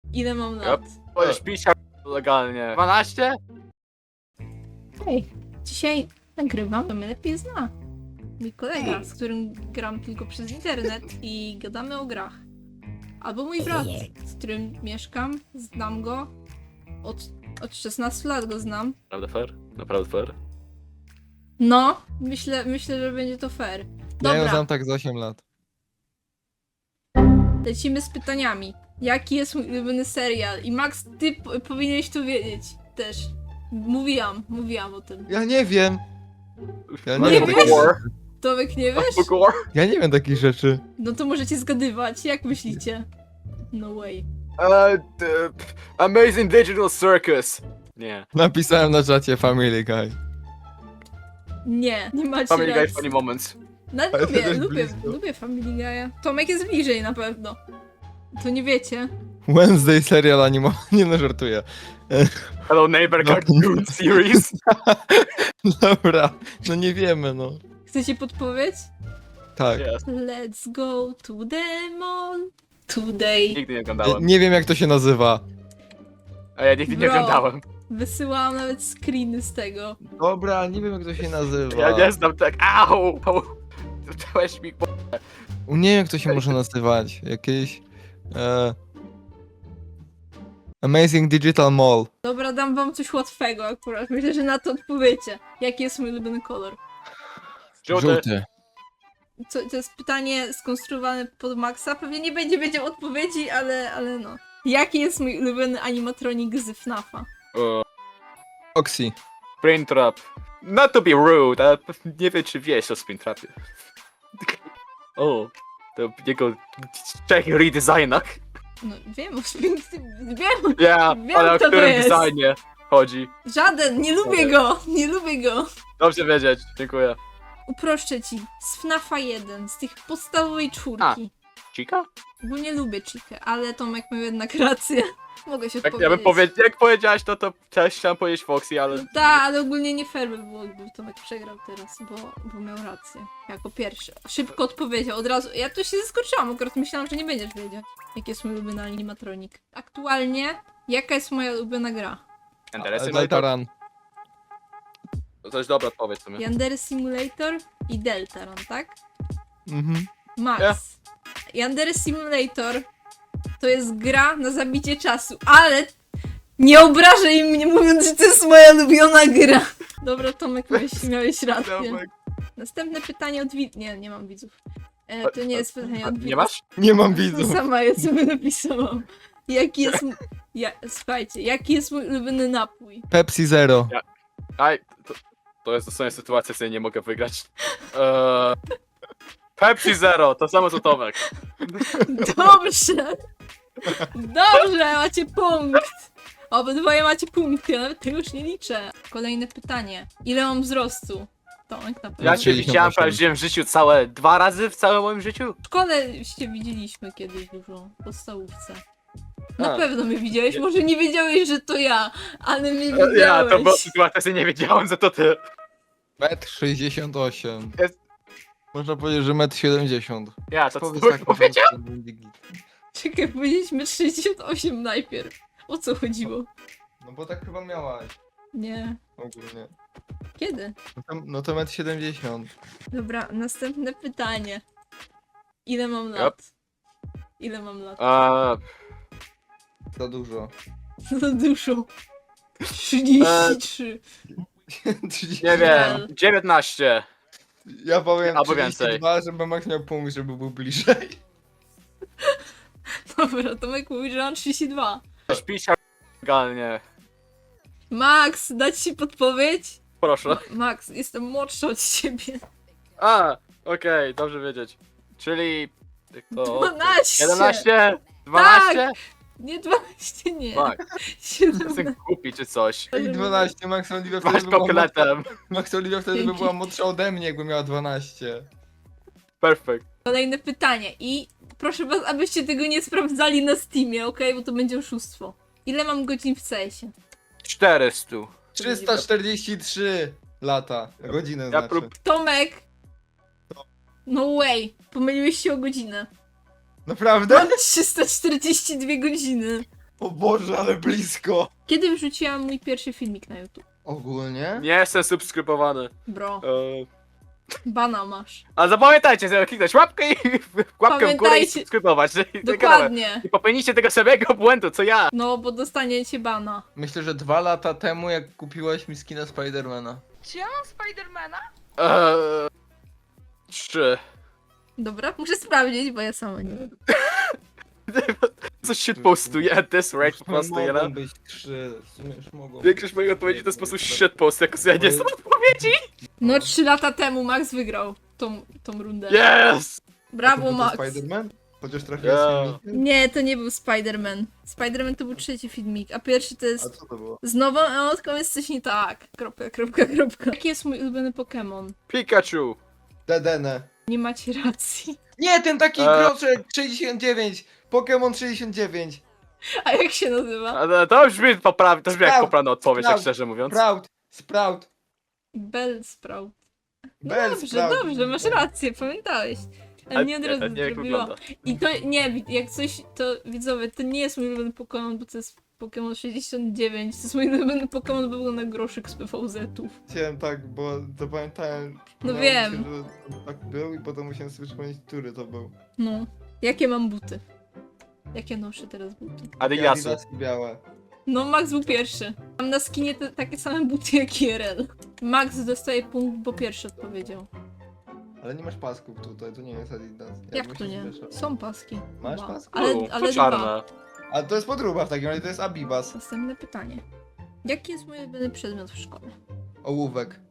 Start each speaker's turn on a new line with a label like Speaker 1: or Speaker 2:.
Speaker 1: Ile mam lat?
Speaker 2: Możesz pić legalnie. 12?
Speaker 1: Hej, dzisiaj nagrywam, to mnie lepiej zna. Mój kolega, z którym gram tylko przez internet i gadamy o grach. Albo mój brat, z którym mieszkam, znam go. Od 16 lat go znam.
Speaker 2: Naprawdę fair? Naprawdę fair?
Speaker 1: No, myślę, że będzie to fair.
Speaker 3: Ja ją
Speaker 1: Dobra,
Speaker 3: znam tak z 8 lat.
Speaker 1: lecimy z pytaniami. Jaki jest mój ulubiony serial? I Max, ty powinieneś to wiedzieć też. Mówiłam o tym.
Speaker 3: Ja nie wiem. Ja
Speaker 1: Nie
Speaker 3: nie wiem
Speaker 1: wiesz?
Speaker 3: takich,
Speaker 1: Tomek, nie wiesz?
Speaker 2: Book War?
Speaker 3: ja nie wiem takich rzeczy.
Speaker 1: No to możecie zgadywać, jak myślicie? No way.
Speaker 2: Amazing Digital Circus. Nie.
Speaker 3: Napisałem na czacie Family Guy.
Speaker 1: Nie macie
Speaker 2: Family Guy
Speaker 1: racji.
Speaker 2: Funny Moments.
Speaker 1: No,
Speaker 3: Ale
Speaker 1: lubię,
Speaker 3: też
Speaker 1: lubię,
Speaker 3: blisko.
Speaker 1: lubię Family Guy'a. Tomek jest bliżej na pewno. To nie wiecie.
Speaker 3: Wednesday serial animowany. Nie no, żartuję.
Speaker 2: Hello Neighbor
Speaker 3: No.
Speaker 2: Cartoon Series.
Speaker 3: Dobra, no nie wiemy, no.
Speaker 1: Chcecie podpowiedź?
Speaker 3: Tak.
Speaker 2: Yes.
Speaker 1: Let's go to the mall today.
Speaker 2: Nigdy nie oglądałem.
Speaker 3: Nie wiem jak to się nazywa.
Speaker 2: A ja nigdy nie
Speaker 1: Bro.
Speaker 2: oglądałem.
Speaker 1: Wysyłałam nawet screeny z tego.
Speaker 3: Dobra, nie wiem jak to się nazywa.
Speaker 2: Ja nie znam tak. Au! Dałeś mi
Speaker 3: Nie wiem jak to się może nazywać. Jakieś... Amazing Digital Mall.
Speaker 1: Dobra, dam wam coś łatwego akurat. Myślę, że na to odpowiecie. Jaki jest mój ulubiony kolor?
Speaker 2: żółty.
Speaker 1: To jest pytanie skonstruowane pod Maxa. Pewnie nie będzie wiedział odpowiedzi, ale no. Jaki jest mój ulubiony animatronik z FNAF-a?
Speaker 3: Oxy.
Speaker 2: Springtrap. Not to be rude, ale nie wiem czy wiesz o Springtrapie. O, to jego trzech redesignach.
Speaker 1: No wiem o wiem!
Speaker 2: Ja,
Speaker 1: Wiem,
Speaker 2: ale o
Speaker 1: kto to
Speaker 2: którym
Speaker 1: jest.
Speaker 2: designie chodzi.
Speaker 1: Żaden! Nie lubię go! Nie lubię go!
Speaker 2: Dobrze wiedzieć, dziękuję.
Speaker 1: Uproszczę ci. Z FNAF-a 1, z tych podstawowej czwórki.
Speaker 2: Chica?
Speaker 1: Bo nie lubię Chikę, ale Tomek miał jednak rację. Mogę się
Speaker 2: Jak,
Speaker 1: odpowiedzieć.
Speaker 2: ja bym jak powiedziałaś to też chciałem powiedzieć Foxy, ale...
Speaker 1: Tak, ale ogólnie nie fair by było, gdyby Tomek przegrał teraz, bo miał rację. Jako pierwszy. Szybko odpowiedział, od razu. Ja tu się zaskoczyłam, akurat myślałam, że nie będziesz wiedzieć, jaki jest mój ulubiony animatronik. Aktualnie, jaka jest moja ulubiona gra?
Speaker 2: Yandere
Speaker 3: Delta
Speaker 2: Simulator?
Speaker 3: Run.
Speaker 2: To jest dobra odpowiedź w sumie.
Speaker 1: Yandere Simulator i Deltaron, tak?
Speaker 3: Mhm.
Speaker 1: Max.
Speaker 2: Ja.
Speaker 1: Yandere Simulator to jest gra na zabicie czasu, ale nie obrażaj mnie mówiąc, że to jest moja ulubiona gra. Dobra, Tomek, miałeś rację. Następne pytanie od widzów. Nie mam widzów. To nie jest pytanie od widzów.
Speaker 2: Nie masz?
Speaker 3: Nie mam
Speaker 1: To
Speaker 3: widzów.
Speaker 1: sama ja sobie napisałam. Jaki jest... Słuchajcie, jaki jest mój ulubiony napój?
Speaker 3: Pepsi Zero.
Speaker 2: Aj, to jest dosłownie sytuacja, z ja nie mogę wygrać. Pepsi Zero, to samo co Tomek.
Speaker 1: Dobrze! Dobrze, macie punkt! Obydwoje macie punkty, ja nawet tego już nie liczę. Kolejne pytanie. Ile mam wzrostu? Tomek na pewno.
Speaker 2: Ja cię
Speaker 3: 68.
Speaker 2: widziałem prawie w życiu całe 2 razy w całym moim życiu.
Speaker 1: W szkole się widzieliśmy kiedyś dużo, w podstawówce. Na
Speaker 2: A.
Speaker 1: pewno mnie widziałeś, może nie wiedziałeś, że to ja, ale mnie
Speaker 2: Ja,
Speaker 1: widziałeś.
Speaker 2: to była sytuacja, że nie wiedziałem, że to ty.
Speaker 3: 1,68 m.
Speaker 2: Jest-
Speaker 3: Można powiedzieć, że 1,70 m.
Speaker 2: Ja, to
Speaker 3: Powiedz
Speaker 2: ty
Speaker 3: tak,
Speaker 2: powiedział?
Speaker 1: Czekaj, powiedzieliśmy 68 najpierw. O co chodziło?
Speaker 3: No bo tak chyba miałaś.
Speaker 1: Nie.
Speaker 3: Ogólnie.
Speaker 1: Kiedy?
Speaker 3: No to 1,70 m.
Speaker 1: Dobra, następne pytanie. Ile mam lat? Ile mam lat?
Speaker 3: Za dużo.
Speaker 1: Za dużo. 33.
Speaker 2: Nie wiem, 19.
Speaker 3: Ja powiem
Speaker 2: Albo więcej.
Speaker 3: 32, żeby Max miał punkt, żeby był bliżej.
Speaker 1: Dobra, Tomek mówi, że mam 32.
Speaker 2: Śpisz legalnie.
Speaker 1: Max, dać ci podpowiedź?
Speaker 2: Proszę.
Speaker 1: Max, jestem młodsza od ciebie.
Speaker 2: Okej, dobrze wiedzieć. Czyli... To...
Speaker 1: 12!
Speaker 2: 11? 12?
Speaker 1: Nie 12, nie.
Speaker 2: Tak,
Speaker 1: 17.
Speaker 2: jestem głupi czy coś.
Speaker 3: I 12, Max Oliwia
Speaker 2: Masz
Speaker 3: wtedy by była
Speaker 2: kokletem.
Speaker 3: Max Oliwia wtedy by
Speaker 1: Dzięki.
Speaker 3: była młodsza ode mnie, jakby miała 12.
Speaker 2: Perfekt.
Speaker 1: Kolejne pytanie i proszę was, abyście tego nie sprawdzali na Steamie, okej? Bo to będzie oszustwo. Ile mam godzin w CS-ie?
Speaker 2: 400.
Speaker 3: 343 lata. Godziny
Speaker 2: Ja
Speaker 3: znaczy.
Speaker 1: Tomek! No way, pomyliłeś się o godzinę.
Speaker 3: Naprawdę?
Speaker 1: Mam 342 godziny.
Speaker 3: O Boże, ale blisko.
Speaker 1: Kiedy wrzuciłam mój pierwszy filmik na YouTube?
Speaker 3: Ogólnie?
Speaker 2: Nie jestem subskrybowany.
Speaker 1: Bro,
Speaker 2: Bana
Speaker 1: masz.
Speaker 2: A zapamiętajcie, żeby kliknąć łapkę i łapkę w górę i
Speaker 1: Pamiętajcie.
Speaker 2: subskrybować.
Speaker 1: Dokładnie.
Speaker 2: I popełnijcie tego samego błędu, co ja.
Speaker 1: No, bo dostaniecie bana.
Speaker 3: Myślę, że 2 lata temu, jak kupiłaś mi skina Spidermana.
Speaker 4: Czy ja mam Spidermana?
Speaker 2: 3.
Speaker 1: Dobra, muszę sprawdzić, bo ja sama nie wiem.
Speaker 2: Coś się postuje, at this rate po prostu,
Speaker 3: Mogą
Speaker 2: ja.
Speaker 3: być 3, w sumie już mogą.
Speaker 2: Większość moich odpowiedzi to jest po prostu shitpost, jako że ja nie znam odpowiedzi.
Speaker 1: No, 3 lata temu Max wygrał tą rundę.
Speaker 2: Yes!
Speaker 1: Brawo, Max.
Speaker 3: Spiderman? Chociaż
Speaker 2: Yeah.
Speaker 1: Nie, to nie był Spider-Man. Spider-Man to był trzeci filmik, a pierwszy to
Speaker 3: A
Speaker 1: jest...
Speaker 3: co to było?
Speaker 1: Z nową emotką jest coś nie tak. Kropka, kropka, kropka. Jaki jest mój ulubiony Pokémon?
Speaker 2: Pikachu.
Speaker 3: Dedene.
Speaker 1: Nie macie racji.
Speaker 3: Nie, ten taki
Speaker 2: Eee.
Speaker 3: groczek 69! Pokémon 69!
Speaker 1: A jak się nazywa?
Speaker 2: A to brzmi poprawnie, to brzmi jak
Speaker 3: Sprout.
Speaker 2: poprawna odpowiedź, tak
Speaker 3: Sprout.
Speaker 2: szczerze mówiąc.
Speaker 3: Sprout!
Speaker 1: Bellsprout. No
Speaker 3: Bell
Speaker 1: dobrze,
Speaker 3: Sprout.
Speaker 1: dobrze, masz rację, pamiętałeś. Ale mnie od razu
Speaker 2: nie jak
Speaker 1: zrobiło.
Speaker 2: wygląda.
Speaker 1: I to nie, jak coś, to widzowie, to nie jest mój ulubiony Pokémon, bo to jest Pokémon 69. To jest mój ulubiony Pokémon, bo był na groszek z PVZ-ów.
Speaker 3: Chciałem tak, bo zapamiętałem.
Speaker 1: No
Speaker 3: przypomniało
Speaker 1: wiem.
Speaker 3: Mi się, że tak był i potem musiałem sobie przypomnieć, który to był.
Speaker 1: No. Jakie mam buty? Jakie noszę teraz buty?
Speaker 2: Adidasy.
Speaker 3: Adidasy białe.
Speaker 1: No, Max był pierwszy. Mam na skinie takie same buty jak IRL. Max dostaje punkt, bo pierwszy odpowiedział.
Speaker 3: Ale nie masz pasków tutaj, to nie jest Adidas.
Speaker 1: Jak
Speaker 3: bo
Speaker 1: to
Speaker 3: się
Speaker 1: nie?
Speaker 3: zmiesza.
Speaker 1: Są paski.
Speaker 3: Masz
Speaker 1: Dwa.
Speaker 3: paski?
Speaker 1: Ale,
Speaker 2: U,
Speaker 1: ale
Speaker 2: to
Speaker 1: dwa.
Speaker 2: czarne.
Speaker 3: A to jest podróba w takim razie, to jest Abibas.
Speaker 1: Następne pytanie. Jaki jest mój ulubiony przedmiot w szkole?
Speaker 3: Ołówek.